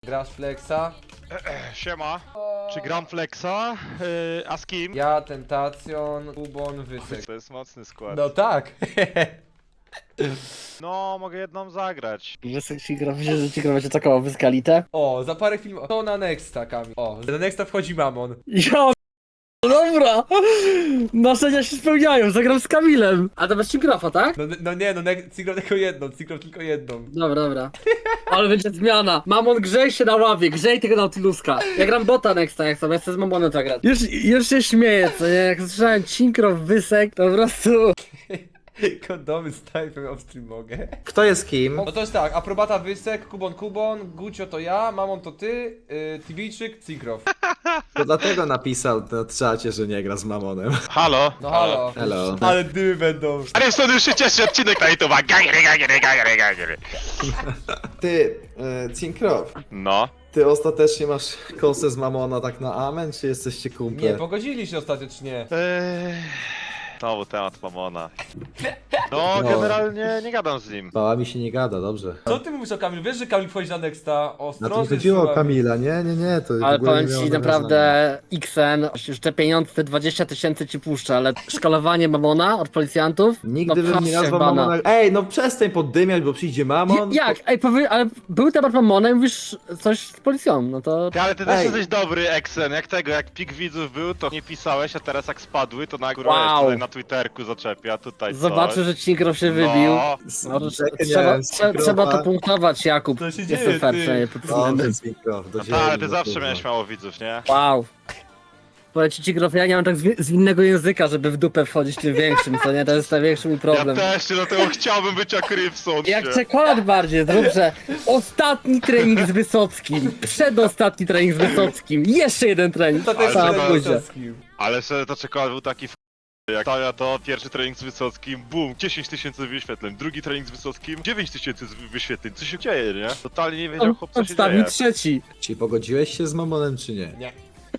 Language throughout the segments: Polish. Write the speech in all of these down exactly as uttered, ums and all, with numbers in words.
Grasz Flexa? Siema. Czy gram Flexa? Yy, a z kim? Ja, Tentacjon, Kubon, Wysek. To jest mocny skład. No tak. No, mogę jedną zagrać. Wysek ci gra, myślę, że ci gra będzie taką wyskalitę. O, za parę filmów. To na Nexta, Kamil. O, na Nexta wchodzi Mamon. Ja, dobra! Marzenia się spełniają, zagram z Kamilem. A to bez Cigrafa, tak? No, no nie, no Cigro tylko jedną, Cigro tylko jedną. Dobra, dobra. Ale będzie zmiana. Mamon, grzej się na ławie, grzej tego Nautiluska. Ja gram bota nexta, jak sobie, chcę z Mamonem zagrać. Już, już się śmieję, co nie? Jak słyszałem Cinkrow, Wysek, to po prostu... Kondomy z typem off-stream mogę. Kto jest kim? No to jest tak, aprobata Wysek, Kubon Kubon, Gucio to ja, Mamon to ty, yy, Tiwijczyk, Cigrow. To dlatego napisał na czacie, że nie gra z Mamonem. Halo? No halo. Hello. Ale dymy będą. Ale stąd już się cieszy odcinek na YouTube. Gagry, gagry, gagry, gagry. Ty, e, Cinkrow, No. ty ostatecznie masz kosę z Mamona tak na amen, czy jesteście kumple? Nie, pogodzili się ostatecznie. Eee... Znowu temat Mamona. No, No. generalnie nie gadam z nim. Bała mi się nie gada, dobrze. Co ty mówisz o Kamilu? Wiesz, że Kamil wchodzi na Nexta? Na to Ostrożnie nie chodziło o słowami. Kamila, nie, nie, nie, to w Ale ogóle powiem nie miało ci nawiązania. naprawdę, Xen, już te pieniądze, te dwadzieścia tysięcy ci puszczę, ale szkalowanie Mamona od policjantów? Nigdy no, bym nie patrzcie, nazwał bana. Mamona... Ej, no przestań poddymiać, bo przyjdzie Mamon. Je- Jak? Ej, powie, ale był temat Mamona i mówisz coś z policją, no to... Ty, ale ty też Ej. jesteś dobry, Exen. Jak tego, jak pik widzów był, to nie pisałeś, a teraz jak spadły, to na górę Wow. tutaj na Twitterku zaczepia, tutaj Zobaczył, coś. że Cinkrow się wybił. No. No, to Czekaj, nie trzeba, wiem, trzeba, Cinkrowa. trzeba to punktować, Jakub. Co się Jestem dzieje, fair, ty? przynajmniej pod tym względem. Dobrze, Cinkrow, do No ziemi, tak, ale ty no zawsze kurwa. miałeś mało widzów, nie? Wow. Powiem ci, Cinkrow, ja nie mam tak z, z innego języka, żeby w dupę wchodzić tym większym, co nie? To jest największy mój Ja problem. też, dlatego chciałbym być jak Rybson. Jak czekolad bardziej, zrób, że ostatni trening z Wysockim, przedostatni trening z Wysockim, jeszcze jeden trening. To też Ale jest trzeba- Wysockim. Ale że to czekolad był taki f... Jak to ja to pierwszy trening z Wysockim, bum, dziesięć tysięcy wyświetleń, drugi trening z Wysockim, dziewięć tysięcy wyświetleń, co się dzieje, nie? Totalnie nie wiedział chłop, co się Odstawił dzieje. trzeci. Czy pogodziłeś się z Mamonem, czy nie? Nie.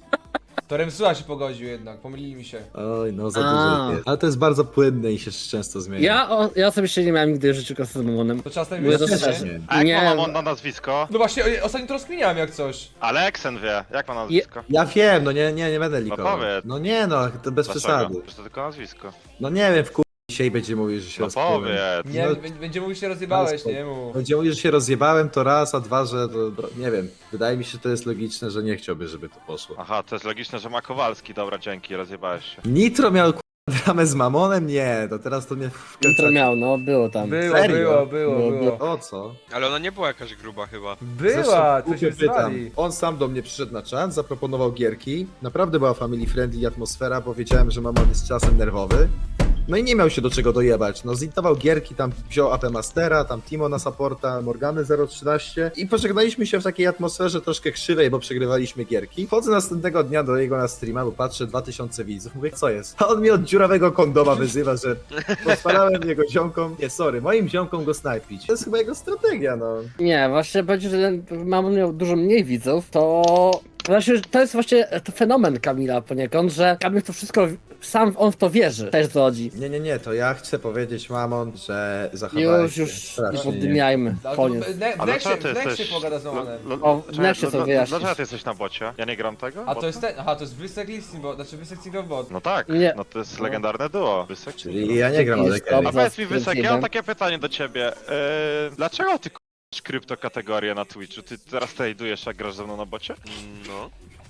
To Remsuła się pogodził jednak, pomylili mi się. Oj, no za A. dużo jest. Ale to jest bardzo płynne i się często zmienia. Ja, o, ja osobiście nie miałem nigdy w życiu kasy z Mamonem. To czas Mówię najwyższy, to Ja szczerze. nie? nie. A jak Nie. ma Mamon na nazwisko? No właśnie, o- ostatnio to rozkminiałem jak coś. Ale Exen wie, jak ma nazwisko? Ja wiem, no nie, nie, nie będę likował. powiedz. No nie no, to bez Dlaczego? przesady. Przecież to tylko nazwisko. No nie wiem, w kur... dzisiaj będzie mówił, że się No rozpłynąłem. powiedz. Nie, No- b- będzie mówił, że się rozjebałeś, Ale nie mów. Będzie mówił, że się rozjebałem, to raz, a dwa, że to, nie wiem. Wydaje mi się, że to jest logiczne, że nie chciałby, żeby to poszło. Aha, to jest logiczne, że ma Kowalski, dobra, dzięki, rozjebałeś się. Nitro miał kur... dramę z Mamonem? Nie, to teraz to mnie wkręca. Jutro miał, no, było tam. Było, Serio? było, było, Było, było. O co? Ale ona nie była jakaś gruba chyba. Była, Zresztą to się głupio pytam. zwali. On sam do mnie przyszedł na czat, zaproponował gierki. Naprawdę była family friendly atmosfera, bo wiedziałem, że Mamon jest czasem nerwowy. No i nie miał się do czego dojebać. No zintował gierki, tam wziął A P Mastera, tam Timo na supporta, Morgany zero trzynaście i pożegnaliśmy się w takiej atmosferze troszkę krzywej, bo przegrywaliśmy gierki. Wchodzę następnego dnia do jego na streama, bo patrzę dwa tysiące widzów, mówię, co jest? A on mnie od dziurawego kondoma wyzywa, że pozwalałem jego ziomkom, nie sorry, moim ziomkom go snajpić. To jest chyba jego strategia, no. Nie, właśnie powiedzieć, że Mamon miał dużo mniej widzów, to... Właśnie, to jest właśnie to fenomen Kamila poniekąd, że Kamil to wszystko, sam on w to wierzy. Też co chodzi. Nie, nie, nie, to ja chcę powiedzieć Mamon, że zachowałeś Już, się już, nie strasznie poddymiajmy. Ale to Koniec. w ne- w A Nexie dlaczego ty w Nexie jesteś... pogada z Mamonem. Lo- lo- O, w czekaj, Nexie lo- sobie lo- wyjaśnisz. Dlaczego ty jesteś na bocie? Ja nie gram tego? A to Bota? jest ten, aha, to jest Wysek Listing, bo, znaczy Wysek Cigrow Bot. No tak, Nie. no to jest legendarne duo. Wysek. Czyli ja nie gram Jest ale dobra. A powiedz mi, Zaraz Wysek, ja jeden. mam takie pytanie do ciebie. Yy, dlaczego ty k***sz kryptokategorię na Twitchu? Ty teraz tradujesz, jak grasz ze mną na bocie? No.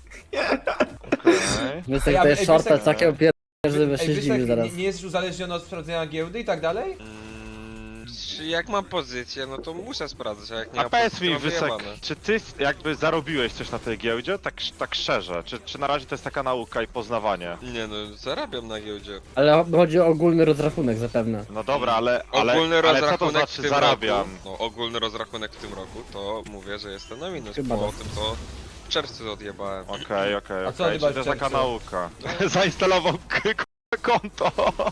Okej. Wysek Ej, to a- jest ej, shorta Wysek- takiego pier... żeby Ej, się Wysek, zdziwił zaraz. nie, nie jesteś uzależniony od sprawdzenia giełdy i tak dalej? Mm, czy jak mam pozycję, no to muszę sprawdzać, a jak nie A mam powiedz pozycji, mi, to mam Wysek, wyjebane. czy ty jakby zarobiłeś coś na tej giełdzie? Tak, tak szczerze, czy, czy na razie to jest taka nauka i poznawanie? Nie no, zarabiam na giełdzie. Ale chodzi o ogólny rozrachunek zapewne. No dobra, ale, ale, Ogólny ale co to rozrachunek znaczy w tym zarabiam? roku, no ogólny rozrachunek w tym roku, to mówię, że jestem na minus, Chyba po tak. tym to w czerwcu odjebałem. Okej, okej, A co okej, odjebałeś czyli to jest w taka czerwcu? nauka. Zainstalował k- k- konto.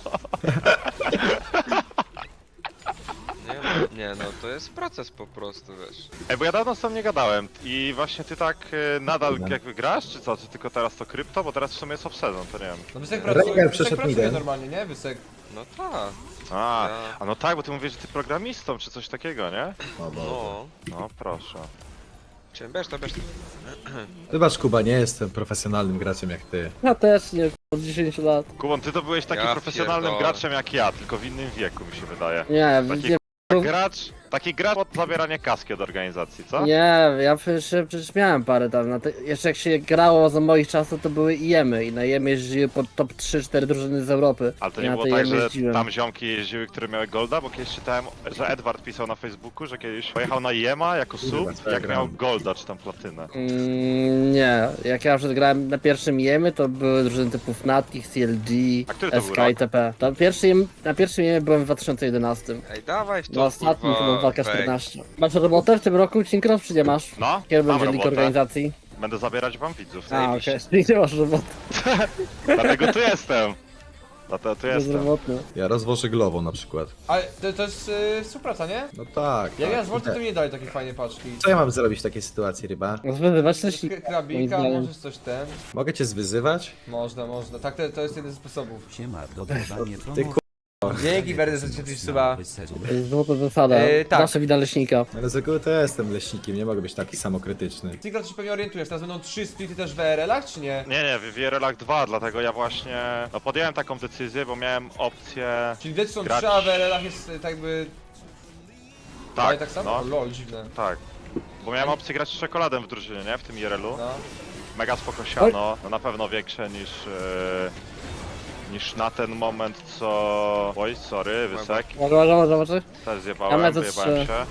Nie, no, nie no, to jest proces po prostu, wiesz. Ej, bo ja dawno z tobą nie gadałem i właśnie ty tak e, nadal Dobra. jakby grasz, czy co? Czy tylko teraz to krypto? Bo teraz w sumie jest obsezon, to nie wiem. No Wysek Rengar pracuje, Wysek przeszedł pracuje midem. normalnie, nie? Wysek. No tak, A, Ja- a no tak, bo ty mówisz, że ty programistą, czy coś takiego, nie? O, bo... no. No proszę. Cię, bierz to, bierz to. Wybacz Kuba, nie jestem profesjonalnym graczem jak ty. Ja też nie, od dziesięć lat. Kubon, ty to byłeś takim Ja profesjonalnym pierdolę. graczem jak ja, tylko w innym wieku mi się wydaje. Nie, Taki nie, gracz, taki gracz od zabierania kaski od organizacji, co? nie, ja przecież, przecież miałem parę tam, na te, jeszcze jak się grało za moich czasów to były I E M y i na I E M jeździły pod top trzy cztery drużyny z Europy. Ale to Ja nie na było te tak, I E M że jeździłem. tam ziomki jeździły, które miały golda, bo kiedyś czytałem, że Edward pisał na Facebooku, że kiedyś pojechał na I E M a jako Kurwa, sub, co ja jak gram. miał golda czy tam platynę. Mm, nie, jak ja przed grałem na pierwszym I E M y to były drużyny typu Fnatic, C L G, A który to S był K rok? itp. To pierwszy, I E M na pierwszym I E M y byłem w dwa tysiące jedenastym. Ej, dawaj w to, Na ostatnim chyba dwa K fake. czternaście. Masz robotę w tym roku, Cinkrow, czy nie masz? No, Kiedy mam będzie lik robotę. organizacji? Będę zabierać wam widzów. A, okej, okay. Nie masz roboty, Dlatego tu jestem. Dlatego tu jestem. bezrobotny. Ja rozwożę glową na przykład. Ale to, to jest yy, współpraca, nie? No tak. Jak tak. ja z Volty to mi nie dali takiej fajnej paczki. Co ja mam zrobić w takiej sytuacji, ryba? Zwyzywać coś K- Krabika, możesz coś ten. Mogę cię zwyzywać? Można, można. Tak, to, to jest jeden z sposobów. Siema, dogrywanie Ty promo. Dzięki bardzo, że cię coś suba. złota zasada, Yy, tak. nasze wina leśnika. Ale z reguły to ja jestem leśnikiem, nie mogę być taki samokrytyczny. Ty się pewnie orientujesz, teraz będą trzy splity też w E R L-ach, czy nie? Nie, nie, w V R L-ach dwa, dlatego ja właśnie no, podjąłem taką decyzję, bo miałem opcję... Czyli wiecie, są Grać- trzy, a w E R L-ach jest y, tak jakby... Tak, Dalej tak samo? no, O, lol, dziwne. tak. Bo miałem opcję grać z czekoladą w drużynie, nie? W tym I R L-u. No. Mega spoko siano, no na pewno większe niż... Yy, niż na ten moment co... Oj, sorry, Wysek. Może, może, może, może? Też Ja zjebałem, lecę wyjebałem trzy. się.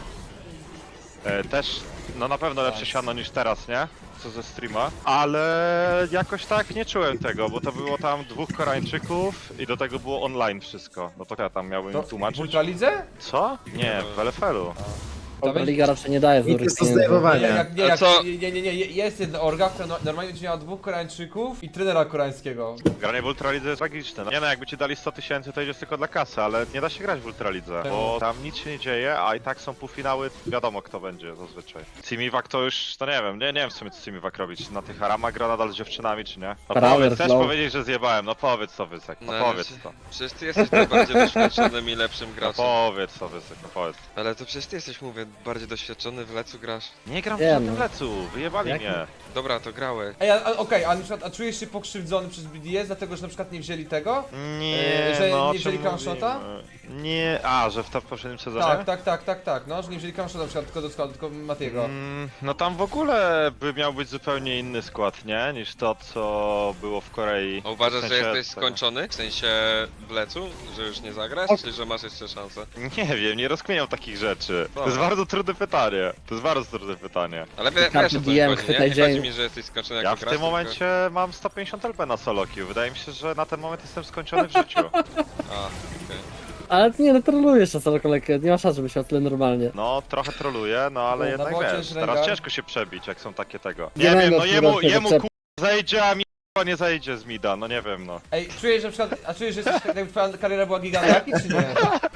E, też, no na pewno lepsze Nice. siano niż teraz, nie? Co ze streama. Ale jakoś tak nie czułem tego, bo to było tam dwóch Koreańczyków i do tego było online wszystko. No to ja tam miałbym To im w tłumaczyć. Ultralidze? Co? Nie, w L F L-u. To będzie- Liga raczej nie daje I to złych jest do pieniędzy. Nie, zdejmowania. jak, nie, A jak, co? nie, nie, nie, nie, jest jedna orga, która no, normalnie będzie miała dwóch Koreańczyków i trenera koreańskiego. Granie w Ultralidze jest tragiczne. No. Nie no, jakby ci dali sto tysięcy, to idziesz tylko dla kasy, ale nie da się grać w Ultralidze, bo tam nic się nie dzieje, a i tak są półfinały, wiadomo kto będzie zazwyczaj. Simiwak to już, to nie wiem, nie, nie wiem w sumie co Simiwak robić. Na tych Arama gra nadal z dziewczynami, czy nie? No Power powiedz, chcesz flow. powiedzieć, że zjebałem, no powiedz to Wysek, no No, powiedz znaczy- to. Przecież ty jesteś najbardziej doświadczonym i lepszym No graczem. powiedz to Wysek, no powiedz. Ale to przecież ty jesteś, mówię, bardziej doświadczony, w lecu grasz. Nie gram w Nie, żadnym no. lecu, wyjebali Jak- mnie. Dobra, to grałeś. Ej, a, a, okej, a na przykład, a czujesz się pokrzywdzony przez B D S, dlatego że na przykład nie wzięli tego? Nie, E, że no, nie o wzięli czym Crownshota? mówimy? Nie, a, że w, to w poprzednim sezonie? Tak, tak, tak, tak, tak, no, że nie wzięli Crownshota na przykład tylko do składu, tylko Matiego. Mm, no tam w ogóle by miał być zupełnie inny skład, nie? Niż to, co było w Korei. A uważasz, W sensie że jesteś tego. skończony? W sensie w lecu? Że już nie zagrasz? Czy że masz jeszcze szansę? Nie wiem, nie rozkminiam takich rzeczy. To Dobra. jest bardzo trudne pytanie. To jest bardzo trudne pytanie. Ale wie, Karty wiesz o co mi D M, chodzi, nie? chwytaj Nie dzień. chodzi mi, że jesteś skończony Ja jako w gracz, tym tylko- momencie mam sto pięćdziesiąt L P na solo queue. Wydaje mi się, że na ten moment jestem skończony w życiu. A, okej. Ale ty nie, no trolujesz na całą kolejkę, nie ma szans, żeby się o tyle normalnie. No, trochę troluję, no ale No, jednak na bocie wiesz, jest teraz Rengar. ciężko się przebić, jak są takie tego. Nie Nie wiem, będę no jemu, odkrywał jemu tego ku... zajdzie, a mi k***a nie zajdzie z mida, no nie wiem no. Ej, czujesz, że na przykład, a czujesz, że jesteś, tak jakby twoja kariera była gigantaki, czy nie?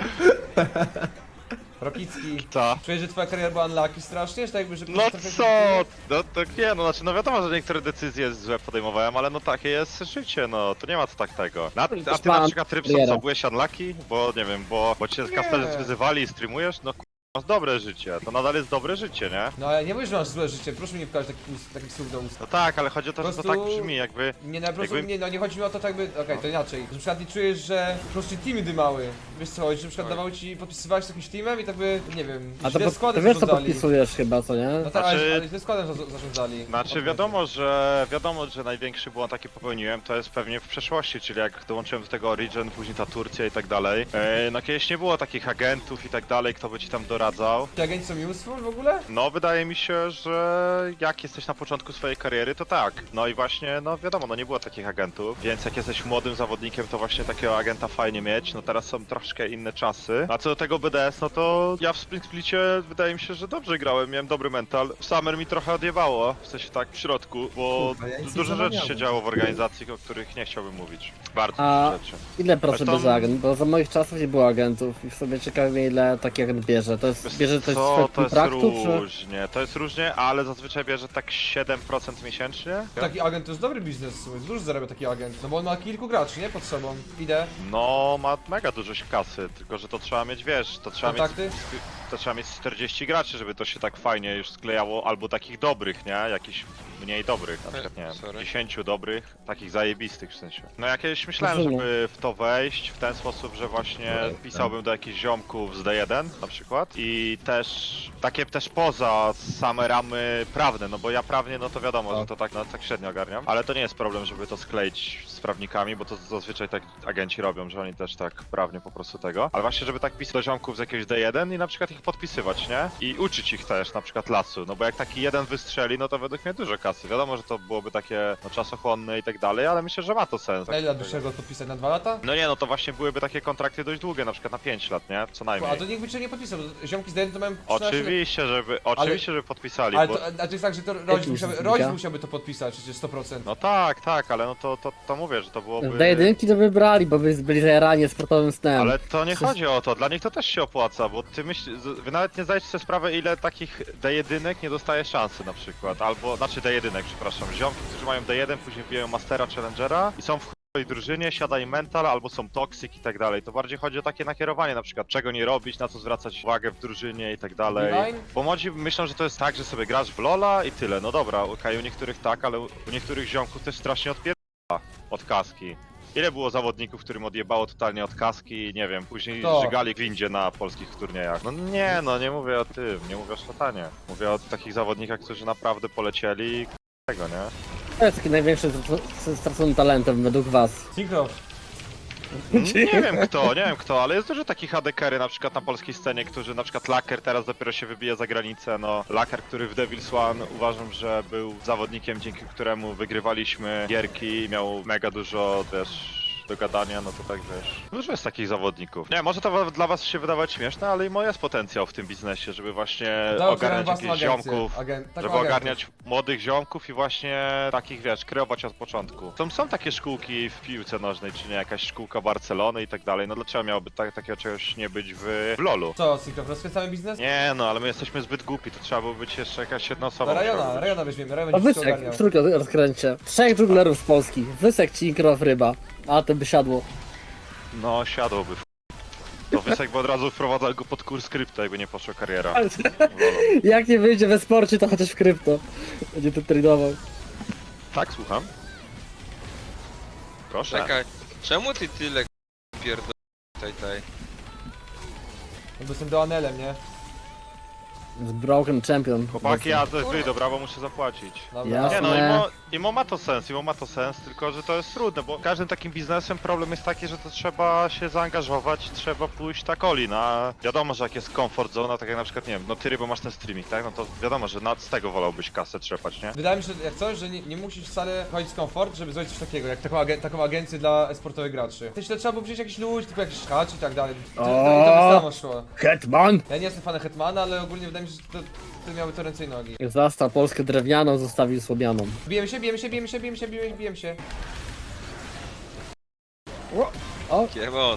Rokicki. Co? Czujesz, że twoja kariera była unlucky strasznie, że tak jakby, że... No trochę- co? No to nie, no znaczy no wiadomo, że niektóre decyzje złe podejmowałem, ale no takie jest życie, no to nie ma co tak tego. Na, a ty na pan przykład Rybson Riera. co, byłeś unlucky? Bo nie wiem, bo, bo cię kasterzy wyzywali i streamujesz? No k***, masz dobre życie, to nadal jest dobre życie, nie? No ale nie mówisz, że masz złe życie, proszę mi nie wkładać takich, ust- takich słów do ust. No tak, ale chodzi o to, Po że to prostu- tak brzmi, jakby... Nie, no po prostu, Jakby- nie, no nie chodzi mi o to tak by, okej, to inaczej. Że na przykład nie czujesz, że po prostu teamy dymały. Wiesz co chodzi, że na przykład Tak. dawały ci, podpisywałeś z jakimś teamem i tak by, nie wiem, A to, źle po, składem to wiesz co zarządzali. podpisujesz chyba, co nie? No tak, ale, Znaczy- ale źle składem za- zarządzali. Znaczy wiadomo, że wiadomo, że największy błąd taki popełniłem, to jest pewnie w przeszłości, czyli jak dołączyłem do tego Origin, później ta Turcja i tak dalej. E, no kiedyś nie było takich agentów i tak dalej, kto by ci tam doradzał. Ci agenci są useful w ogóle? No, wydaje mi się, że jak jesteś na początku swojej kariery, to tak. No i właśnie, no wiadomo, no nie było takich agentów, więc jak jesteś młodym zawodnikiem, to właśnie takiego agenta fajnie mieć. No teraz są troszkę inne czasy. A co do tego B D S, no to ja w Spring Splicie wydaje mi się, że dobrze grałem, miałem dobry mental. W Summer mi trochę odjebało, w sensie tak w środku, bo Kurwa, ja nic nie dużo rzeczy zamawiałem. się działo w organizacji, o których nie chciałbym mówić. Bardzo A- dużo rzeczy. Ile procent Ale to- bierze agent? Bo za moich czasów nie było agentów i w sobie ciekawi mnie ile taki agent bierze. To jest? Bierze to Co, z to jest kontraktu, czy? różnie, to jest różnie, ale zazwyczaj bierze tak siedem procent miesięcznie. Taki agent to jest dobry biznes, dużo zarabia taki agent. No bo on ma kilku graczy, nie? Pod sobą. Idę. No, ma mega dużo kasy, tylko że to trzeba mieć, wiesz, to trzeba Kontakty? mieć, to trzeba mieć czterdzieści graczy, żeby to się tak fajnie już sklejało, albo takich dobrych, nie? Jakichś mniej dobrych, na przykład, nie wiem, Sorry. dziesięciu dobrych, takich zajebistych w sensie. No ja kiedyś myślałem, Rozumiem. żeby w to wejść w ten sposób, że właśnie pisałbym do jakichś ziomków z D jeden na przykład i też takie też poza same ramy prawne, no bo ja prawnie, no to wiadomo, że to tak, no, tak średnio ogarniam, ale to nie jest problem, żeby to skleić z prawnikami, bo to zazwyczaj tak agenci robią, że oni też tak prawnie po prostu tego, ale właśnie, żeby tak pisać do ziomków z jakiegoś D jeden i na przykład ich podpisywać, nie? I uczyć ich też na przykład lasu, no bo jak taki jeden wystrzeli, no to według mnie dużo kasy. Wiadomo, że to byłoby takie no, czasochłonne i tak dalej, ale myślę, że ma to sens. Na ile lat byś chciał go podpisać? Na dwa lata? No nie, no to właśnie byłyby takie kontrakty dość długie, na przykład na pięć lat, nie? Co najmniej. A to nikt by cię nie podpisał, bo ziomki z D jeden to mają trzynaście lat. Oczywiście, żeby, oczywiście, żeby podpisali, Ale bo... to, a to jest tak, że to rodzic, mi musiałby, się rodzic znika? musiałby to podpisać, przecież sto procent. No tak, tak, ale no to, to, to mówię, że to byłoby... D jeden to wybrali, bo by byli zajarani sportowym snem. Ale to nie Przecież- chodzi o to, dla nich to też się opłaca, bo ty myśl, z- wy nawet nie zdajecie sobie sprawy, ile takich D jeden nie dostaje szansy na przykład, albo, znaczy D jeden, przepraszam, ziomki, którzy mają D jeden, później wbijają Mastera, Challengera i są w chujowej drużynie, siada im mental, albo są toxic i tak dalej, to bardziej chodzi o takie nakierowanie na przykład, czego nie robić, na co zwracać uwagę w drużynie i tak dalej. Divine? Bo młodzi myślą, że to jest tak, że sobie grasz w Lola i tyle, no dobra, okej, u niektórych tak, ale u u niektórych ziomków też strasznie odpierdala od kaski. Ile było zawodników, którym odjebało totalnie od kaski i nie wiem, później Kto? żygali w windzie na polskich turniejach? No nie, no nie mówię o tym, nie mówię o szatanie. Mówię o takich zawodnikach, którzy naprawdę polecieli i tego, nie? To jest taki największy strac- stracony talentem według was. Synchro. Nie wiem kto, nie wiem kto, ale jest dużo takich adekery na przykład na polskiej scenie, którzy na przykład Laker teraz dopiero się wybija za granicę, no Laker, który w Devil's One uważam, że był zawodnikiem, dzięki któremu wygrywaliśmy gierki i miał mega dużo też do gadania, no to tak wiesz. Dużo jest takich zawodników. Nie, może to wa- dla was się wydawać śmieszne, ale i moje jest potencjał w tym biznesie, żeby właśnie Dał ogarniać własną jakichś agencję. ziomków. Agen- taką Żeby agentów. ogarniać młodych ziomków i właśnie takich, wiesz, kreować od początku. Są, są takie szkółki w piłce nożnej, czy nie, jakaś szkółka Barcelony i tak dalej, no dlaczego miałoby tak, takiego czegoś nie być w, w lolu? Co, Synchro, rozkręcamy biznes? Nie no, ale my jesteśmy zbyt głupi, to trzeba było być jeszcze jakaś jedna osoba. Na Rajona, musiała być. Rajona weźmiemy, Rajon A będzie wszystko Wysek, ogarniał. w trójkę rozkręcie. Trzech dżunglerów z Polski. Wysek, Cinkrow, Ryba. A to by siadło. No, siadłoby. w- To Wysek by od razu wprowadzał go pod kurs krypto, jakby nie poszła kariera. Ale- w lolu. Jak nie wyjdzie we sporcie, to chociaż w krypto. Będzie to tradował. Tak, słucham? Proszę. Czekaj, czemu ty tyle pierdol... Taj, taj. No bo jestem do Anelem, nie? Z Broken Champion. Chłopaki, ja też wyjdę, brawo, muszę zapłacić. Dobra. Jasne. Nie no, imo, imo ma to sens, imo ma to sens, tylko że to jest trudne, bo każdym takim biznesem problem jest taki, że to trzeba się zaangażować, trzeba pójść tak all-in, a wiadomo, że jak jest comfort zone, tak jak na przykład, nie wiem, no ty Rybo masz ten streaming, tak? No to wiadomo, że nad z tego wolałbyś kasę trzepać, nie? Wydaje mi się, że jak coś, że nie, nie musisz wcale chodzić z komfort, żeby zrobić coś takiego, jak taką, agen taką agencję dla sportowych graczy. Też to trzeba było wziąć jakiś ludzi, typu jakiś hacz i tak dalej. I to, to, i to by samo szło. Hetman! Ja nie jestem fanem Hetmana, ale ogólnie wydaje mi się, że to, to miały to ręce i nogi. Zastał Polskę drewnianą, zostawił słomianą. Bijemy się, bijemy się, bijemy się, bijemy się, bijemy się, bijemy się. Kiemon.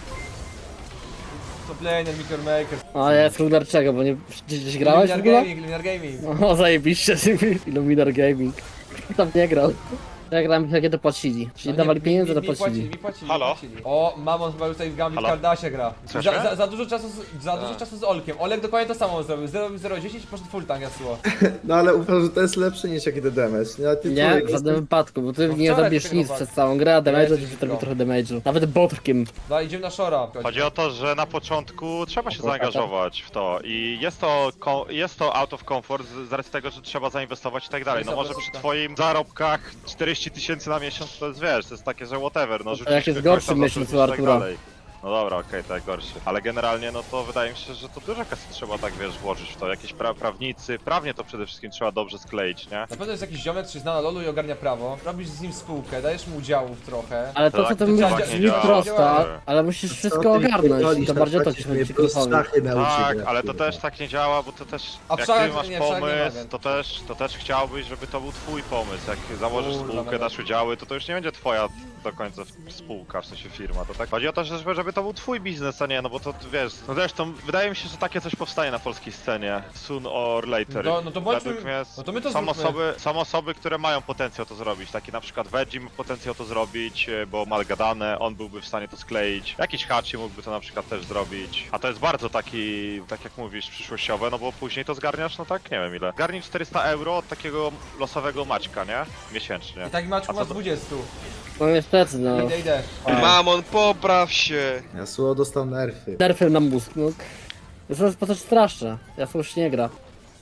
Top laner, Meteor Maker. A ja jest ruler czego, bo nie gdzieś, gdzieś grałeś w Luminar ogóle? Gaming, Luminar Gaming. O, zajebiście, Illuminar Gaming. Kto tam nie grał? Ja grałem jakie dopłacili. Czyli No nie, dawali mi- pieniądze, mi- mi dopłacili. płacili, mi płacili, Halo? mi płacili. O, Mamon chyba tutaj w Gambit Halo? Kardasie gra. Słyszę? Za, za, za dużo czasu z, za dużo Tak. czasu z Olkiem. Olek dokładnie to samo zrobił. zero zero dziesięć i poszedł full tank jasło. No ale uważam, że to jest lepsze niż jaki to damage. Nie, ty Nie, człowiek w żadnym jest- wypadku, bo ty No nie wczoraj zabierz tego nic walki. przez całą grę, a damage'a jesteś ci zrobi pro. trochę damage'u. Nawet botrkiem. No idziemy na Shora. Chodzi o to, że na początku trzeba się zaangażować w to i jest to, ko- jest to out of comfort z z racji tego, że trzeba zainwestować i tak dalej. No może przy twoim zarobkach czterdzieści tysięcy na miesiąc to jest, wiesz, to jest takie, że whatever, no jak rzucisz jest kogoś gorszy tam, miesiąc zarzucisz u i tak Artura. dalej. No dobra, okej, tak gorszy. Ale generalnie no to wydaje mi się, że to dużo kasy trzeba tak, wiesz, włożyć w to. Jakieś pra- prawnicy, prawnie to przede wszystkim trzeba dobrze skleić, nie? Na pewno jest jakiś ziomek, który zna na lolu i ogarnia prawo. Robisz z nim spółkę, dajesz mu udziałów trochę. Ale to co Tak, ty to mówisz tak brzmi nie działa. prosto, Nie. ale musisz Co wszystko ty ogarnąć. pierdolisz, To na bardziej o to przykład ci chodzi mnie plus Cinkrofowi. szachy nauczy Tak, grać, ale to kurwa. też tak nie działa, bo to też, A jak wszak- ty masz nie, wszak nie pomysł, mogę. to też, to też chciałbyś, żeby to był twój pomysł. Jak założysz Kurwa, spółkę, mega. dasz udziały, to to już nie będzie twoja do końca spółka, w sensie firma, to tak? Chodzi o to, że- żeby to był twój biznes, a nie, no bo to wiesz, no zresztą wydaje mi się, że takie coś powstanie na polskiej scenie, soon or later. No, no to bądźmy- Według mnie no to my to są zróbmy. osoby, są osoby, które mają potencjał to zrobić, taki na przykład Veggie ma potencjał to zrobić, e, bo ma gadane, on byłby w stanie to skleić, jakiś Hachi mógłby to na przykład też zrobić, a to jest bardzo taki, tak jak mówisz, przyszłościowe, no bo później to zgarniasz, no tak, nie wiem ile. Zgarnij czterysta euro od takiego losowego Maćka, nie? Miesięcznie. I taki Maczku A co ma z to- dwudziestu. No niestety, no. Idę, idę. Mamon, popraw się! Yasuo dostał nerfy. Nerfy na mózg, no. To jest po coś straszne. Yasuo już nie gra.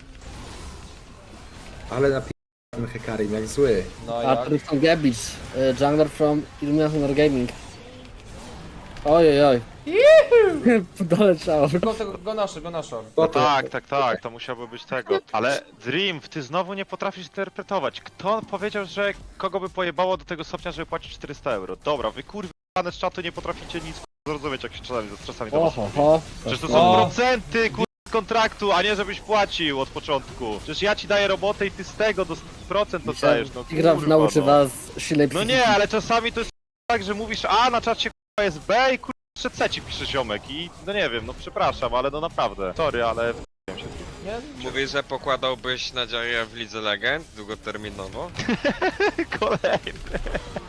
Ale na tym Hekarim jak zły. No jak? Arthur from Gabbage, uh, jungler from Illumination Gaming. Oj, oj, oj. Doleciało. Go, tego, go nasze, go nasze. No tak, tak, tak, to musiałoby być tego. Ale Dream, ty znowu nie potrafisz interpretować. Kto powiedział, że kogo by pojebało do tego stopnia, żeby płacić czterysta euro? Dobra, wy kurwa z czatu nie potraficie nic kurwa, zrozumieć, jak się czasami ze stresami do was Oho, mówi. ho. Przecież to O. są procenty kurwa z kontraktu, a nie żebyś płacił od początku. Przecież ja ci daję robotę i ty z tego do procent dostajesz, no Tigra kurwa, nauczy no. was silnej No psychiki. nie, ale czasami to jest tak, że mówisz A, na czacie kurwa jest B i kurwa jeszcze C ci pisze ziomek i no nie wiem, no przepraszam, ale no naprawdę. Sorry, ale w***łem się. Nie? Mówisz, że pokładałbyś nadzieję w Lidze Legend długoterminowo? Kolejny.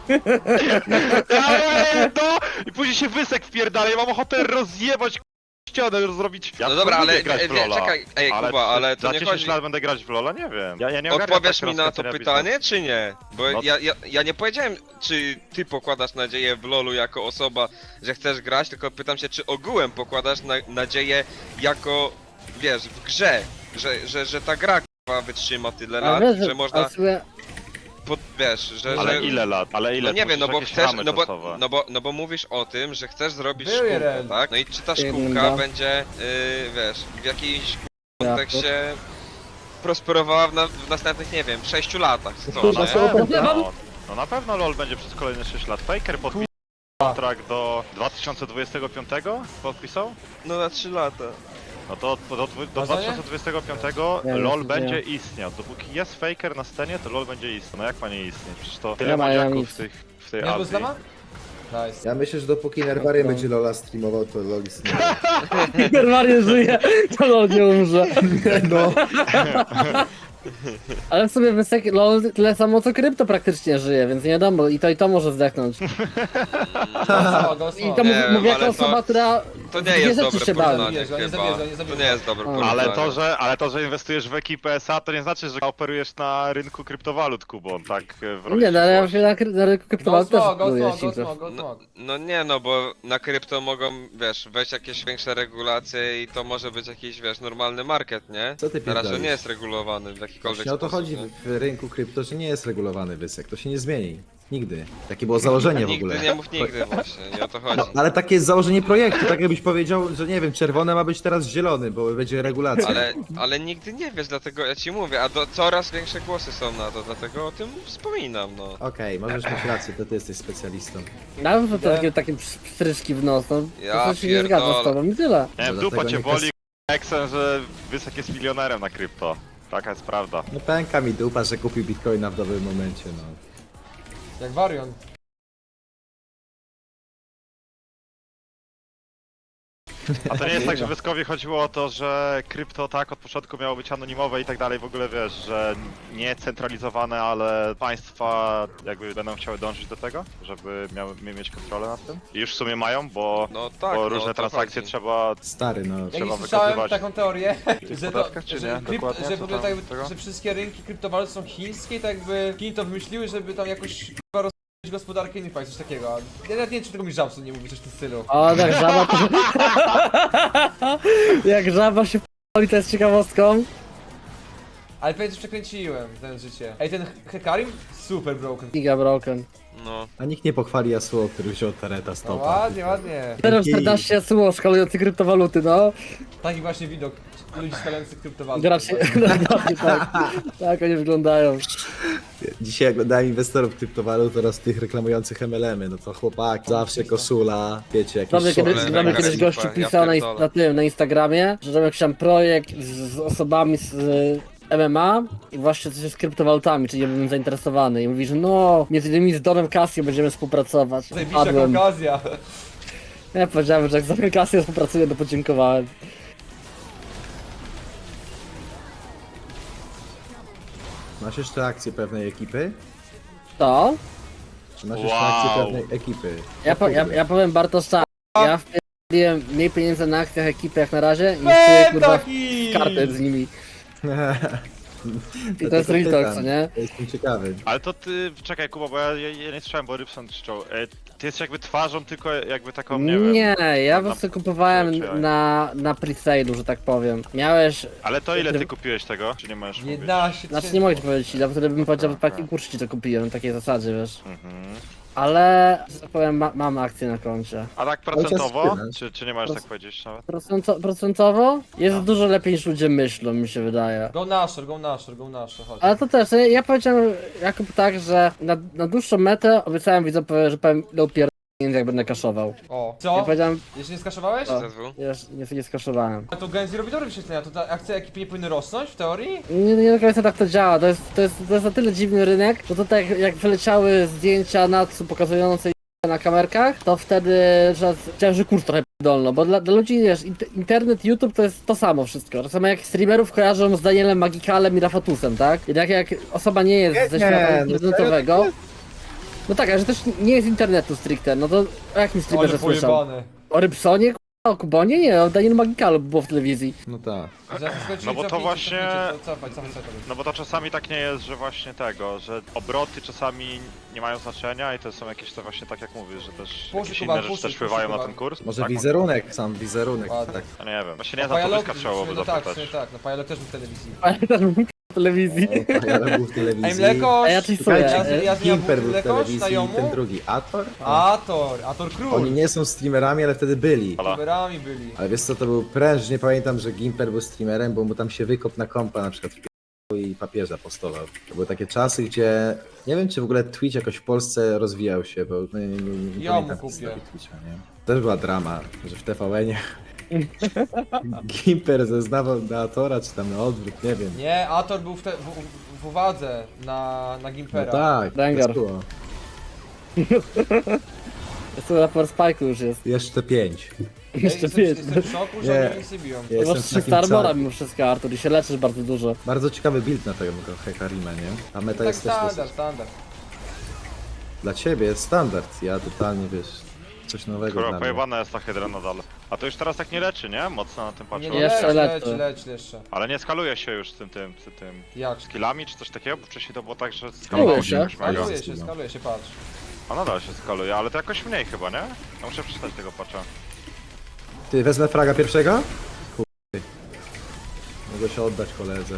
Ale to! I później się wysek wpierdala, ja mam ochotę rozjebać k***a, ścianę, zrobić. Ja No dobra, lubię ale grać wie, w Lola. czekaj, ej ale Kuba, ale to za nie dziesięć chodzi... lat będę grać w Lola? Nie wiem. Ja, ja nie ogarniam Odpowiesz tak mi na to rozkręcenia pytanie, czy nie? Bo No. ja, ja, ja nie powiedziałem, czy ty pokładasz nadzieję w LoLu jako osoba, że chcesz grać, tylko pytam się, czy ogółem pokładasz na, nadzieję jako, wiesz, w grze, że, że, że ta gra k***a, wytrzyma tyle Ale lat, wiesz, że że można, ale sobie- pod, wiesz, że... Ale że... ile lat? Ale ile? No nie To wiem, no musisz bo jakieś chcesz, ramy no bo, czasowe. no, bo, no bo mówisz o tym, że chcesz zrobić Był szkółkę, jeden. tak? No i czy ta Jeden, szkółka dwa. będzie, yy, wiesz, w jakimś Ja, kontekście prosperowała w, na, w następnych, nie wiem, sześciu latach, czy co, No, Na nie? to- pewno, to- no, no na pewno LoL będzie przez kolejne sześć lat. Faker podpisał kontrakt do dwa tysiące dwudziestego piątego? Podpisał? No na trzy lata. No to do, do, do A co nie? dwa tysiące dwudziestego piątego Nie, LoL nie będzie wiem. istniał. Dopóki jest Faker na scenie, to LoL będzie istniał. No jak ma nie istnieć? Przecież to tyle Nie ma, ja młodziaków nic. w, tych, w tej Nie Azji. Zlama? Nice. Ja myślę, że dopóki Nerwarian będzie Lola streamował, to Lol istnieje. Normalnie żyje, to LOL nie umrze. No. Ale w sumie Wysek LOL tyle samo co krypto praktycznie żyje, więc nie wiadomo, i to i to może zdechnąć. Go, go, I to Nie mówię, wiem, mówię jako ale to- osoba, która To w nie dwie jest rzeczy dobre się bawi. porównanie Zabierza, nie chyba. zabierza, nie zabierza. To nie jest dobre Ale porównanie. Ale to, że, ale to, że inwestujesz w ekipę S A, to nie znaczy, że operujesz na rynku kryptowalut, Kubon, tak w roli Nie, no ale ja przyszłości. się na, kry- na rynku Go kryptowalut też smog, go próbuję smog, go Synchro. smog, go No, smog. no nie no, bo na krypto mogą, wiesz, wejść jakieś większe regulacje i to może być jakiś, wiesz, normalny market, nie? Co ty Na razie pierdolisz? nie jest regulowany w jakikolwiek Właśnie o to sposób. chodzi nie? w rynku krypto, że nie jest regulowany Wysek. To się nie zmieni. Nigdy. Takie było założenie w ogóle. Nigdy nie mów nigdy właśnie, nie o to chodzi. No, ale takie jest założenie projektu, tak jakbyś powiedział, że nie wiem, czerwone ma być teraz zielony, bo będzie regulacja. Ale, ale nigdy nie wiesz, dlatego ja ci mówię, a do, coraz większe głosy są na to, dlatego o tym wspominam, no. Okej, możesz mieć rację, to ty jesteś specjalistą. Nawet to takie, takie pstryczki w nos, no. Ja to się nie zgadza z pierdolę. tobą i tyle. Nie wiem, No dupa dlatego cię nie boli, Exen, że Wysek jest milionerem na krypto. Taka jest prawda. No pęka mi dupa, że kupił bitcoina w dobrym momencie, no. Jak Varion. A to nie jest tak, że Wyskowi chodziło o to, że krypto tak od początku miało być anonimowe i tak dalej, w ogóle wiesz, że nie centralizowane, ale państwa jakby będą chciały dążyć do tego, żeby miały mieć kontrolę nad tym. I już w sumie mają, bo, No tak, bo no, różne o to transakcje chodzi. trzeba... Stary, no. Ja Trzeba nie słyszałem wykazywać taką teorię, że, to, podatkach, czy że, nie? krypt, Dokładnie, że, w co ogóle tam tak, tego? że wszystkie rynki kryptowalut są chińskie i tak jakby Chiny to wymyśliły, żeby tam jakoś chyba rozwijać gospodarkę innych państw, coś takiego. Ja nawet nie wiem, czy tego mi Żabson nie mówi, coś w tym stylu. O, tak żaba to... Jak żaba się p***li, to jest ciekawostką. Ale pewnie coś przekręciłem, ten życie. Ej, ten Hekarim? Super broken. Giga broken. No. A nikt nie pochwali Yasuo, który wziął Tareta z No topa. ładnie, ładnie. zero czternaście Yasuo szkalujący kryptowaluty, no. Taki właśnie widok ludzi szkalających kryptowalut. Gracie, dokładnie tak. Tak oni wyglądają. Dzisiaj oglądałem inwestorów kryptowalut oraz tych reklamujących M L M-y, no to chłopaki, zawsze koszula, wiecie, jakieś Dobrze, kiedyś, Szole, dobrze, mega kiedyś super, gościu ja pisał na, pierdolę. na tym, na Instagramie, że robił jakiś tam projekt z, z osobami z, M M A i właśnie coś z kryptowalutami, czyli ja bym zainteresowany. I mówi, że no, między innymi z Donem Casio będziemy współpracować. Zajebista Padłem. okazja. Ja powiedziałem, że jak z Donem Casio współpracuję, to podziękowałem. Masz jeszcze akcję pewnej ekipy? To? Czy masz Wow. jeszcze akcję pewnej ekipy? Ja, po, ja, ja powiem Bartosza, ja wpierdoliłem mniej pieniędzy na akcjach ekipy jak na razie niż czuję kurwa Taki! w kartę z nimi. I to jest Dlatego real talk, co pytam. nie? Jestem ciekawy. Ale to ty, czekaj Kuba, bo ja, ja, ja nie słyszałem, bo Rybson krzyczał. E, ty jesteś jakby twarzą, tylko jakby taką, nie wiem. Nie, ja po na- prostu kupowałem czy- czy- na, na pre-sale'u, że tak powiem. Miałeś... Ale to ile ty kupiłeś tego? Czy nie możesz mówić? jedenaście Znaczy nie mogę ci powiedzieć ile, bo wtedy bym powiedział, że Aha. taki kurczę ci to kupiłem, na takiej zasadzie, wiesz. Mhm. Ale, że tak powiem, ma, mam akcję na koncie. A tak czas procentowo? spinać. Czy, czy nie możesz Proc- tak powiedzieć nawet? Procento, procentowo jest No. dużo lepiej niż ludzie myślą, mi się wydaje. Go nasher, go nasher, go nasher, chodź. Ale to też, ja, ja powiedziałem Jakub tak, że na, na dłuższą metę obiecałem widzowie, że powiem ile upier... jak będę kaszował. O, Ja co? powiedziałem, Jeszcze nie skaszowałeś? O. Z S W? ja nie, nie skaszowałem. A to Genzi robi dobre wyświetlenia, to ta akcja ekipy nie powinny rosnąć w teorii? Nie, nie do końca tak to działa, to jest, to jest, to jest na tyle dziwny rynek, że to tak jak wyleciały zdjęcia Natsu pokazujące na kamerkach, to wtedy że chciałem, że kurs trochę dolno, bo dla, dla ludzi, wiesz, int- internet, YouTube to jest to samo wszystko. To samo jak streamerów kojarzą z Danielem Magikalem i Rafatusem, tak? Jednak jak osoba nie jest Nie, ze świata no internetowego, no tak, ale że też nie jest internetu stricte, no to o jakim streamerze Ale słyszał? pojebane. O Rybsonie? K***a, o Kubonie? Nie, o Danielu Magikalu było w telewizji. No tak. Zaraz skończyli, No bo to cofnijcie, właśnie- cofnijcie, Cofaj, cofaj, cofaj. No bo to czasami tak nie jest, że właśnie tego, że obroty czasami nie mają znaczenia i to są jakieś to właśnie tak jak mówisz, że też Puszy, jakieś Kuba, inne rzeczy puszy, też puszy, wpływają na Kuba. ten kurs. Może tak, wizerunek, sam wizerunek. Ładnie. Tak. no nie wiem, właśnie nie A znam, to Pajalog- Wyska trzeba byłoby no tak, w zapytać. sumie tak, no Pajalog też był w telewizji. Ale też był w telewizji. Ja był w telewizji. Ej, Mlekosz! A ja czystuję. Słuchajcie, Ja- ja z nią Gimper był w Mlekosz, telewizji na i Jomu? ten drugi. Ator? Ator, Ator Król! Oni nie są streamerami, ale wtedy byli. Ala. Youtuberami byli. Ale wiesz co, to był pręż, nie pamiętam, że Gimper był streamerem, bo mu tam się wykop na kompa na przykład wpi- i papieża postował. To były takie czasy, gdzie nie wiem, czy w ogóle Twitch jakoś w Polsce rozwijał się, bo no, nie, nie, nie, nie Ja pamiętam mu kupię. historii Twitcha, nie? Też była drama, że w T V N-ie Gimper zeznawał na Atora, czy tam na odwrót, nie wiem. Nie, Ator był w, te, w, w uwadze na, na No Gimpera. tak, Rengar. to było. Jest to raport Spike'u już jest. Jeszcze pięć. Ej, Jeszcze jestem, pięć. jestem w szoku, że Nie. oni nic nie biją. Ja Masz jestem w trzysta takim armora ca- mimo wszystko, Artur, i się leczysz bardzo dużo. Bardzo ciekawy build na tego Hekarima, nie? A meta Tak jest też standard, dosyć... standard. Dla ciebie jest standard, ja totalnie, wiesz, coś nowego Kurwa, dla mnie. pojebana jest ta hydra nadal. A to już teraz tak nie leczy, nie? Mocno na tym Nie, patrzę. nie, Jeszcze leć, leczy. leć, leć jeszcze. Ale nie skaluje się już z tym, tym, z tym Jak? skillami czy coś takiego, bo wcześniej to było tak, że Skaluje skalowało się. jakoś mega. Skaluje się, skaluje się, patrz. A nadal się skaluje, ale to jakoś mniej chyba, nie? Ja muszę przeczytać tego patcha. Ty, wezmę fraga pierwszego? Chuj. Mogę się oddać koledze.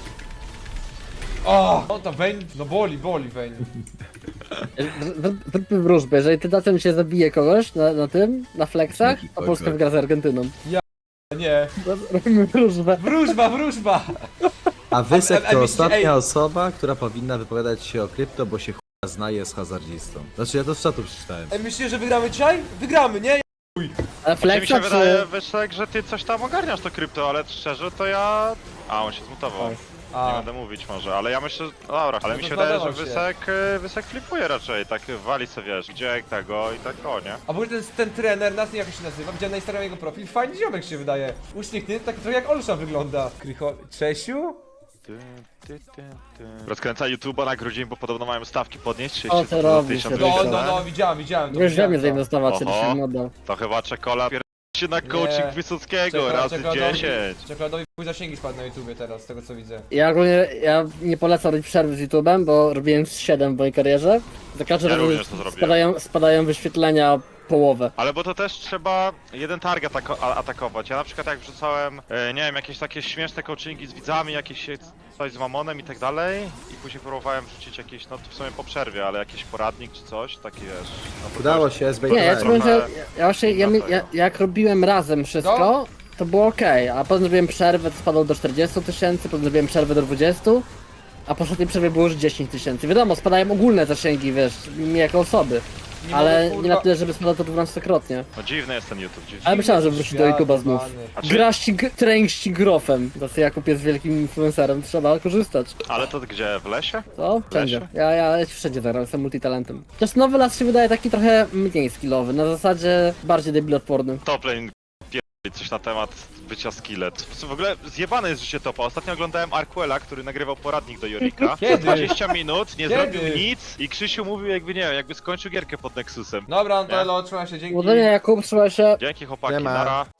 O! No to Vayne, no boli, boli Vayne. Zrób- Zróbmy wróżbę, jeżeli ty Dacem się zabije kogoś na, na tym, na flexach, to Oj, Polska oj. wygra z Argentyną. Nie. Robimy wróżbę. Wróżba, wróżba! A Wysek a to myślicie, ostatnia ej- osoba, która powinna wypowiadać się o krypto, bo się chuja znaje z hazardzistą. Znaczy ja to z czatu przeczytałem. Ej, myślicie, że wygramy dzisiaj? Wygramy, nie? Ale Czy mi się flexa wydaje, czy... Wyszek, że ty coś tam ogarniasz to krypto, ale szczerze to ja... A, on się zmutował. Tak. Nie A, będę mówić może, ale ja myślę, no dobra, ale No mi to się wydaje, że zadawał się. Wysek, y, Wysek flipuje raczej, tak wali sobie, wiesz, gdzie tego i tak o, nie? a w ogóle ten, ten trener, nas nie jak się nazywa, widziałem na Instagramie jego profil, fajny ziomek się wydaje. Uśmiechnięty, tak trochę jak Olsza wygląda. Krycho... Czesiu? Ty, ty, ty, ty. Rozkręca YouTube'a na grudzień, bo podobno mają stawki podnieść, O, trzydzieści to robi się, No, Wyjdzie, no, tak? no, widziałem, widziałem. to Już widziałem wiemy to. zainwestować, Oho. czy się model. To chyba czekola pier... się na coaching Nie. Wysockiego, Czekoladowi- razy czekoladowi- dziesięć. Czekoladowi pół zasięgi spadł na YouTubie teraz, z tego co widzę. Ja ogólnie, ja nie polecam robić przerwy z YouTube'em, bo robiłem z siedem w mojej karierze. Za każdym Ja razem również to zrobiłem. spadają, spadają wyświetlenia o połowę. Ale bo to też trzeba jeden target atako- a- atakować. Ja na przykład jak wrzucałem, e, nie wiem, jakieś takie śmieszne coachingi z widzami, jakieś e, coś z mamonem i tak dalej i później próbowałem wrzucić jakieś, no to w sumie po przerwie, ale jakiś poradnik czy coś, taki wiesz. No to Udało też- się, Nie, ja zbejtowałem. ci powiem, że trochę ja właśnie, ja, mi- ja, jak robiłem razem wszystko, to było ok, a potem zrobiłem przerwę, to spadło do czterdziestu tysięcy, potem zrobiłem przerwę do dwudziestu, a po ostatniej przerwie było już dziesięć tysięcy. Wiadomo, spadają ogólne zasięgi, wiesz, mi jako osoby. nie Ale mogę, kurwa... nie na tyle, żeby spadał to dwunastokrotnie. No dziwny jest ten YouTube, dziwny. Ale myślałem, że wróci do YouTube'a znów. A czy- Gra ścig... trening ścigrofem. Tacy Jakub jest wielkim influencerem, trzeba korzystać. Ale to gdzie, w lesie? Co? Wszędzie. Lesie? Ja, ja wszędzie zagram, jestem multitalentem. Chociaż nowy las się wydaje taki trochę mniej skillowy, na zasadzie bardziej debilotworny. Toplane pierdoli coś na temat bycia skillet. W ogóle zjebane jest życie topa. Ostatnio oglądałem Arquela, który nagrywał poradnik do Jorika. Kiedy? dwadzieścia minut, nie Kiedy? zrobił nic i Krzysiu mówił jakby nie wiem, jakby skończył gierkę pod Nexusem. Dobra, Antelo, trzymaj się, dzięki. Powodzenia Jakub, trzymaj się. Dzięki chłopaki, Nie ma. nara.